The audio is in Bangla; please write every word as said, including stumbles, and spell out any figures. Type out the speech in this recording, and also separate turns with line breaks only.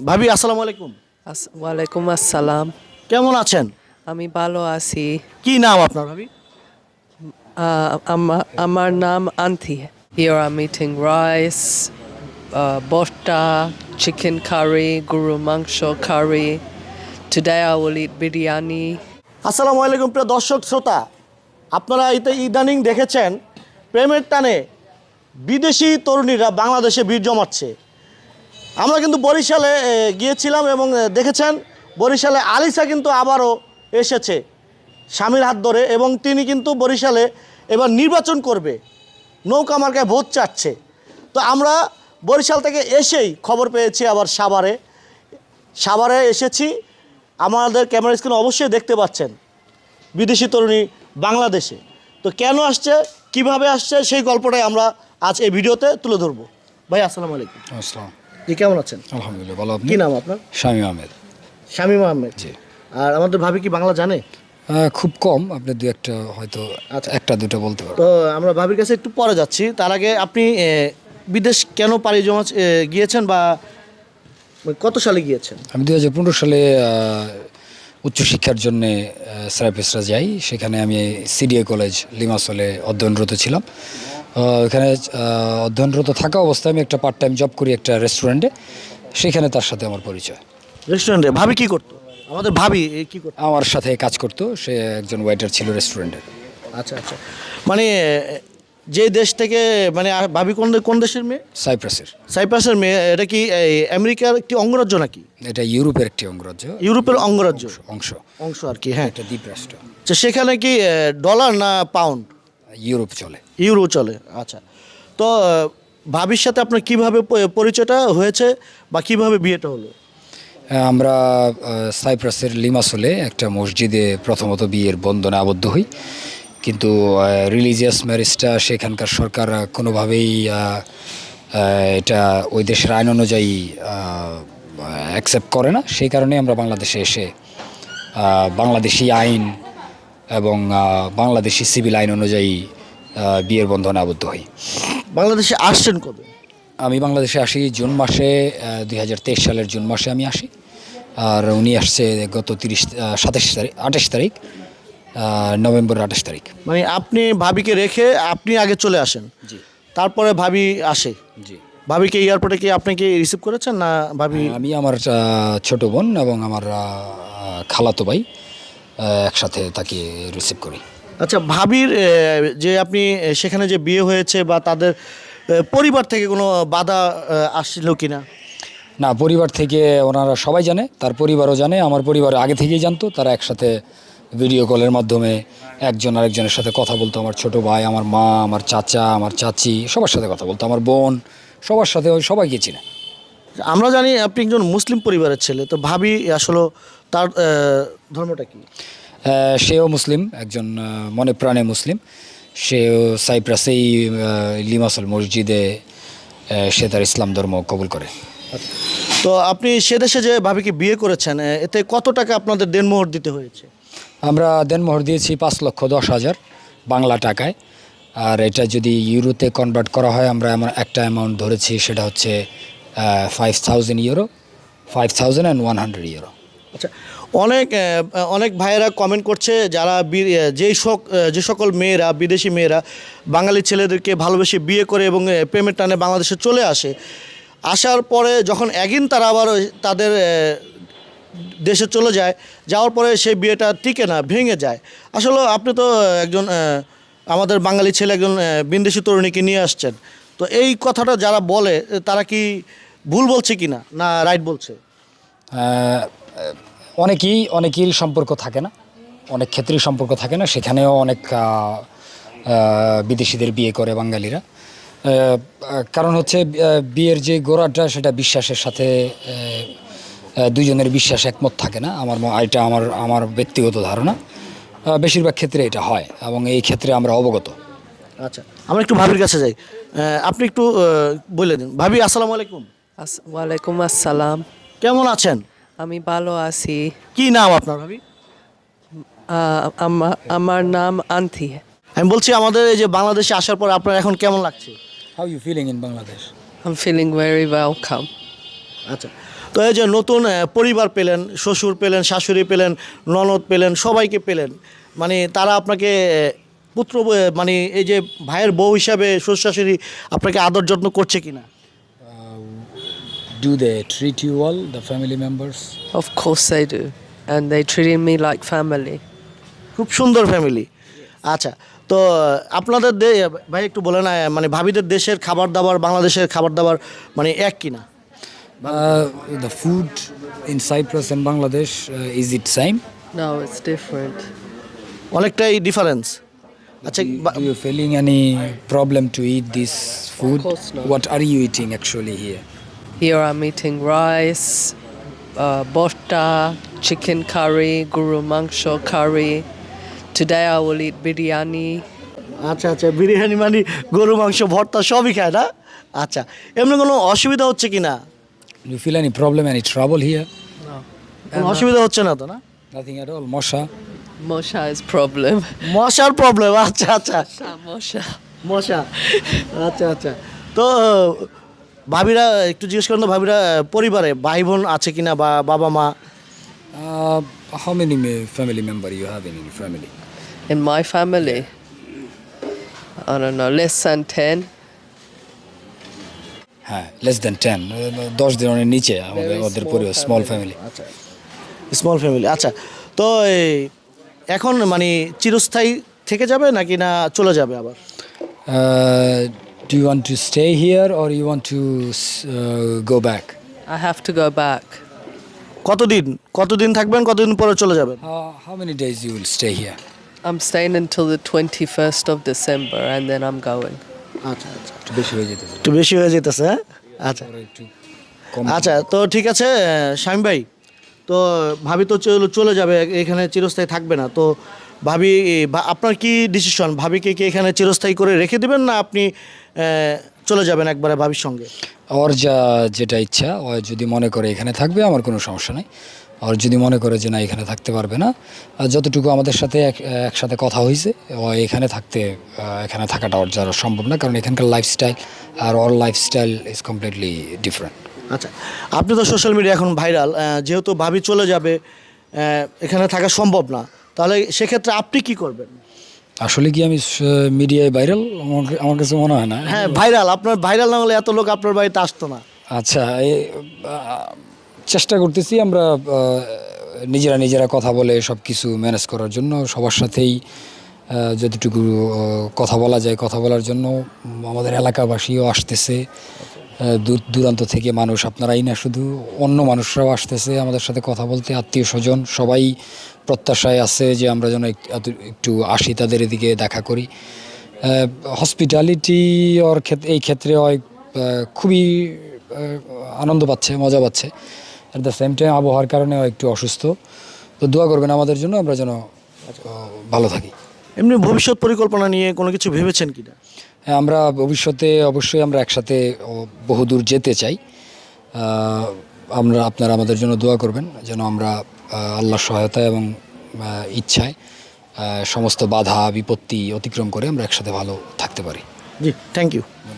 ভাবি আসসালামু আলাইকুম।
আস- ওয়ালাইকুম আসসালাম।
কেমন আছেন?
আমি ভালো আছি।
কি নাম আপনার ভাবি?
আহ, আমা- আমার নাম আন্থি। Here I'm eating rice, uh, botta, chicken curry, guru mangsho curry. Today I will eat biryani.
আসসালামু আলাইকুম প্রিয় দর্শক শ্রোতা, আপনারা ইতে ইদানিং দেখেছেন প্রেমের টানে বিদেশি তরুণীরা বাংলাদেশে ভিড় জমাচ্ছে। আমরা কিন্তু বরিশালে এ, গিয়েছিলাম এবং এ, দেখেছেন বরিশালে আলিসা কিন্তু আবারও এসেছে স্বামীর হাত ধরে, এবং তিনি কিন্তু বরিশালে এবার নির্বাচন করবে, নৌকা মার্কায় ভোট চাচ্ছে। তো আমরা বরিশাল থেকে এসেই খবর পেয়েছি আবার সাভারে সাভারে এসেছি। আমাদের ক্যামেরা স্ক্রিনে অবশ্যই দেখতে পাচ্ছেন বিদেশি তরুণী বাংলাদেশে। তো কেন আসছে, কিভাবে আসছে, সেই গল্পটাই আমরা আজ এই ভিডিওতে তুলে ধরবো। ভাই আসসালামু আলাইকুম।
আসসালাম।
জি, কেমন আছেন?
আলহামদুলিল্লাহ ভালো। আপনি?
কি নাম আপনার?
শামীম আহমেদ।
শামীম আহমেদ।
জি।
আর আমাদের ভাবি কি বাংলা জানে?
আহ, খুব কম, আপনি দু একটা হয়তো
আচ্ছা।
একটা দুটো বলতে পারো।
তো আমরা ভাবির কাছে একটু পরে যাচ্ছি। তার আগে আপনি এ, বিদেশ কেন পাড়ি জমা এ, গিয়েছেন বা কত সালে গিয়েছেন?
আমি দুই হাজার পনেরো সালে আহ, উচ্চশিক্ষার জন্যে সাইপ্রাসরা যাই। সেখানে আমি সিডিএ কলেজ লিমাসলে অধ্যয়নরত ছিলাম। আহ, এখানে আহ, অধ্যয়নরত থাকা অবস্থায় আমি একটা পার্ট টাইম জব করি একটা রেস্টুরেন্টে। সেখানে তার সাথে আমার পরিচয়।
রেস্টুরেন্টে ভাবি কি করতো? আমাদের ভাবি এ, কি করতো?
আমার সাথে কাজ করতো, সে একজন ওয়েটার ছিল রেস্টুরেন্টে।
আচ্ছা আচ্ছা, মানে এ, যে দেশ থেকে, মানে আ- ভাবি কোন দে- কোন দেশের মেয়ে?
সাইপ্রাসের।
সাইপ্রাসের মেয়ে। এটা কি এই, আমেরিকার একটি অঙ্গরাজ্য নাকি?
এটা ইউরোপের একটি অঙ্গরাজ্য,
ইউরোপের অঙ্গরাজ্য
অংশ।
অংশ আর কি। হ্যাঁ,
একটা দ্বীপরাষ্ট্র।
তো সেখানে কি এ, ডলার না পাউন্ড?
ইউরোপ চলে।
ইউরো চলে। আচ্ছা, তো আহ, ভাবির সাথে আপনার কিভাবে প- পরিচয়টা হয়েছে বা কিভাবে বিয়েটা হলো?
আমরা আহ, সাইপ্রাসের লিমাসলে একটা মসজিদে প্রথমত বিয়ের বন্ধনে আবদ্ধ হই, কিন্তু রিলিজিয়াস ম্যারেজটা সেখানকার সরকার আহ, কোনোভাবেই আহ, আহ, এটা ওই দেশের আইন অনুযায়ী অ্যাকসেপ্ট করে না। সেই কারণে আমরা বাংলাদেশে এসে আহ, বাংলাদেশি আইন এবং আহ, বাংলাদেশি সিভিল আইন অনুযায়ী আহ, বিয়ের বন্ধনে আবদ্ধ হই।
বাংলাদেশে আসছেন কবে?
আমি বাংলাদেশে আসি জুন মাসে, দুই হাজার তেইশ সালের জুন মাসে আমি আসি। আর উনি আসছে গত তিরিশ সাতাশ তারিখ আঠাশ তারিখ নভেম্বর আঠাশ তারিখ।
মানে আপনি ভাবিকে রেখে আপনি আগে চলে আসেন,
জি
তারপরে ভাবি আসে?
জি।
ভাবিকে এয়ারপোর্টে কি আপনি কি রিসিভ করেছেন না ভাবি?
আমি আমার আহ, ছোট বোন এবং আমার আহ, খালাতো ভাই আহ, একসাথে তাকে রিসিভ করি।
আচ্ছা, ভাবির এ, যে আপনি এ, সেখানে যে বিয়ে হয়েছে বা তাদের এ, পরিবার থেকে কোনো বাধা এ, আসছিল কিনা?
না, পরিবার থেকে ওনারা সবাই জানে, তার পরিবারও জানে, আমার পরিবার আগে থেকেই জানতো। তারা একসাথে ভিডিও কলের মাধ্যমে একজন আরেকজনের সাথে কথা বলতো। আমার ছোট ভাই, আমার মা, আমার চাচা, আমার চাচি সবার সাথে কথা বলতো, আমার বোন সবার সাথে, ওই সবাইকে চিনে।
আমরা জানি আপনি একজন মুসলিম পরিবারের ছেলে, তো ভাবি আসলে তার এ, ধর্মটা কি?
আহ, সেও মুসলিম, একজন আহ, মনে প্রাণে মুসলিম। সেও সাইপ্রাসেই আহ, লিমাসল মসজিদে আহ, সে তার ইসলাম ধর্ম কবুল করে।
তো আপনি সে দেশে যে ভাবিকে বিয়ে করেছেন, এ, এতে কত টাকা আপনাদের দেনমোহর দিতে হয়েছে?
আমরা দেনমোহর দিয়েছি পাঁচ লক্ষ দশ হাজার বাংলা টাকায়। আর এটা যদি ইউরোতে কনভার্ট করা হয়, আমরা এমন একটা অ্যামাউন্ট ধরেছি, সেটা হচ্ছে five thousand euro five thousand and one hundred euro.
আচ্ছা, অনেক এ, অনেক ভাইয়েরা কমেন্ট করছে, যারা বি- এ, যেই সক এ, যে সকল মেয়েরা, বিদেশি মেয়েরা বাঙালি ছেলেদেরকে ভালোবেসে বিয়ে করে এবং এ, প্রেমের টানে বাংলাদেশে চলে আসে, আসার পরে যখন একদিন তারা আবার ওই তাদের এ, দেশে চলে যায়, যাওয়ার পরে সেই বিয়েটা টিকে না, ভেঙে যায়। আসলে আপনি তো একজন এ, আমাদের বাঙালি ছেলে, একজন এ, বিদেশি তরুণীকে নিয়ে আসছেন, তো এই কথাটা যারা বলে এ, তারা কি ভুল বলছে কি না, না রাইট বলছে?
আহ, অনেকেই অনেকেই সম্পর্ক থাকে না, অনেক ক্ষেত্রেই সম্পর্ক থাকে না। সেখানেও অনেক আহ, আহ, বিদেশিদের বিয়ে করে বাঙালিরা। আহ, কারণ হচ্ছে আহ, বিয়ের যে গোড়াটা, সেটা বিশ্বাসের সাথে আহ, আহ, দুজনের বিশ্বাস একমত থাকে না। আমার ম- এটা আমার আমার ব্যক্তিগত ধারণা। আহ, বেশিরভাগ ক্ষেত্রে এটা হয় এবং এই ক্ষেত্রে আমরা অবগত।
আচ্ছা, আমরা একটু ভাবির কাছে যাই। আহ, আপনি একটু আহ, বলে দিন। ভাবি আসসালামু আলাইকুম।
আস- ওয়ালাইকুম আসসালাম।
কেমন আছেন?
আমি ভালো আছি।
কি নাম আপনার ভাবি?
আহ, আমা- আমার নাম আন্থি।
আমি বলছি আমাদের এই যে বাংলাদেশে আসার পর আপনার এখন কেমন লাগছে?
How you feeling in Bangladesh?
I'm feeling very welcome.
আচ্ছা, তো এই যে নতুন আহ, পরিবার পেলেন, শ্বশুর পেলেন, শাশুড়ি পেলেন, ননদ পেলেন, সবাইকে পেলেন, মানে তারা আপনাকে আহ, পুত্র ব- মানে এই যে ভাইয়ের বউ হিসাবে শ্বশুর শাশুড়ি আপনাকে আদর যত্ন করছে কিনা?
Do they treat you well, the family members?
Of course they do. And they treated me like family.
খুব সুন্দর ফ্যামিলি। আচ্ছা, তো আহ, আপনাদের দে- ভাই একটু বলেন আহ, মানে ভাবিদের দেশের খাবার দাবার বাংলাদেশের খাবার দাবার মানে এক কিনা?
Uh, the food in Cyprus and Bangladesh, uh, is it same?
No, it's different.
অনেকটাই ডিফারেন্স। আচ্ছা, বা-
Do you feeling any problem to eat this food?
course not.
What are you eating actually here?
Here I'm eating rice, uh, bosta, chicken curry, guru mangsho curry. Today I will eat biryani.
আচ্ছা আচ্ছা, বিরিয়ানি মানে গরু মাংস ভর্তা সবই খায় না? আচ্ছা, এমনি কোনো অসুবিধা হচ্ছে কি না?
Do you feel any problem, any trouble here?
No.
কোনো অসুবিধা হচ্ছে না তো না?
Nothing at all, Mosha?
Mosha is problem.
মশার প্রবলেম, আচ্ছা আচ্ছা,
Mosha.
মশা, আচ্ছা আচ্ছা। তো ভাবিরা একটু জিজ্ঞেস করেন তো, ভাবিরা পরিবারে ভাই বোন আছে কিনা বা বাবা মা?
Uh, how many ma- family member you have in your family?
In my family, I don't know, less than ten.
হ্যাঁ, less than ten. Uh, দশ জনের নিচে আমাদের
Very
ওদের
small
পরিবার, স্মল
family.
ফ্যামিলি।
আচ্ছা, স্মল ফ্যামিলি। আচ্ছা, তো এই এখন মানে চিরস্থায়ী থেকে যাবে নাকি না চলে যাবে আবার?
Uh, do you want to stay here or you want to uh, go back?
I have to go back.
কতদিন কতদিন থাকবেন, কতদিন পরে চলে যাবেন?
Uh, how many days you will stay here?
I'm staying until the twenty-first of December and then I'm going.
আচ্ছা আচ্ছা,
একটু বেশি হয়ে যেতেছে।
একটু বেশি হয়ে যেতেছে, হ্যাঁ? আচ্ছা
পরে একটু কম।
আচ্ছা, তো ঠিক আছে শামিম ভাই, তো ভাবি তো চলে চলে যাবে, এখানে চিরস্থায়ী থাকবে না, তো ভাবি ভা- আপনার কি ডিসিশন, ভাবিকে কি এখানে চিরস্থায়ী করে রেখে দেবেন না আপনি আহ, চলে যাবেন একবারে ভাবির সঙ্গে?
ওর যা যেটা ইচ্ছা, ও যদি মনে করে এখানে থাকবে আমার কোনো সমস্যা নেই। আর যদি মনে করে যে না এখানে থাকতে পারবে না, আর যতটুকু আমাদের সাথে এক একসাথে কথা হয়েছে, ও এখানে থাকতে আহ, এখানে থাকাটা ওর যারা সম্ভব না, কারণ এখানকার লাইফস্টাইল আর ওর লাইফস্টাইল ইজ কমপ্লিটলি ডিফারেন্ট।
আচ্ছা, আপনি তো সোশ্যাল মিডিয়া এখন ভাইরাল, যেহেতু ভাবি চলে যাবে, আহ, এখানে থাকা সম্ভব না, তাহলে সেক্ষেত্রে আপনি কি করবেন?
আসলে কি আমি মিডিয়ায় ভাইরাল? আমার আমার কাছে মনে হয় না।
হ্যাঁ ভাইরাল, আপনার ভাইরাল না হলে এত লোক আপনার বাড়িতে আসতো না।
আচ্ছা, এ, আহ, চেষ্টা করতেছি আমরা আহ, নিজেরা নিজেরা কথা বলে সব কিছু ম্যানেজ করার জন্য, সবার সাথেই আহ, যতটুকু আহ, কথা বলা যায় কথা বলার জন্য। উম, আমাদের এলাকাবাসীও আসতেছে, আহ, দূর দূরান্ত থেকে মানুষ, আপনারাই না শুধু, অন্য মানুষরাও আসতেছে আমাদের সাথে কথা বলতে, আত্মীয় স্বজন সবাই প্রত্যাশায় আছে যে আমরা যেন এক- এত- একটু আসি, তাদের এদিকে দেখা করি। হসপিটালিটি ওর ক্ষেত্রে, এই ক্ষেত্রে হয় খুবই আহ, আনন্দ পাচ্ছে, মজা পাচ্ছে। অ্যাট দ্য সেম টাইম আবহাওয়ার কারণে ও একটু অসুস্থ, তো দোয়া করবেন আমাদের জন্য, আমরা যেন আহ, ভালো থাকি।
এমনি ভবিষ্যৎ পরিকল্পনা নিয়ে কোনো কিছু ভেবেছেন কি না?
হ্যাঁ, আমরা ভবিষ্যতে অবশ্যই আমরা একসাথে ও, বহুদূর যেতে চাই। আহ, আমরা আপনারা আমাদের জন্য দোয়া করবেন যেন আমরা আহ, আল্লাহর সহায়তায় এবং আহ, ইচ্ছায় আহ, সমস্ত বাধা বিপত্তি অতিক্রম করে আমরা একসাথে ভালো থাকতে পারি।
জি, থ্যাংক ইউ।